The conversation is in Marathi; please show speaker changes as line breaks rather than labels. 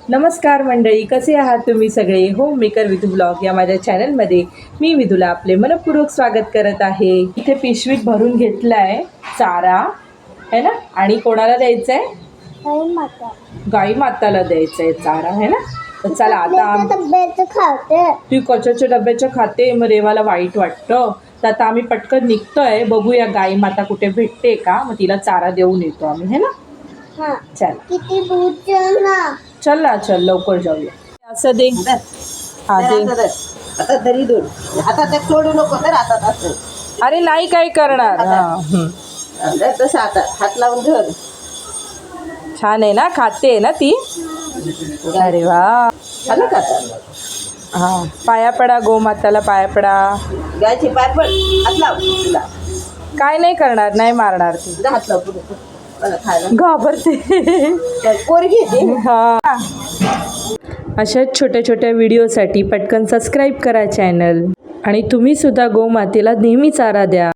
नमस्कार मंडळी, कसे आहात तुम्ही सगळे? होम मेकर विधू ब्लॉग या माझ्या चॅनलमध्ये मी विधूला आपले मनपूर्वक स्वागत करत आहे. इथे पिशवीत भरून घेतलाय चारा है ना, आणि कोणाला द्यायचा आहे? गाई माताला द्यायचा आहे चारा है ना. तर चला आता ती कचऱ्याच्या डब्याच्या खाते, मग रेवाला वाईट वाटतं. तर आता आम्ही पटकन निघतोय, बघूया गाई माता कुठे भेटते का, मग तिला चारा देऊन येतो आम्ही है ना. चल
किती दूध ना.
चल ना, चल लवकर जाऊया. असं दे. हा दे.
आता तरी दूध हातात सोडू नको तर हातात असं.
अरे नाही काय करणार.
तसं आता हात लावून धर.
छान आहे ना, खाते ना ती. अरे वा.
झालं का आता?
हा, पाया पडा गोमाताला, पाया पडा.
गायची पाय पड, हात लाव तुला.
काय नाही करणार, नाही मारणार ती.
जा हात लाव पुढे मला खायला
घाबरते.
पोरगी आहे ती.
हा. अशाच छोट्या छोट्या व्हिडिओसाठी पटकन सबस्क्राईब करा चॅनल, आणि तुम्ही सुद्धा गोमातेला नेहमी चारा द्या.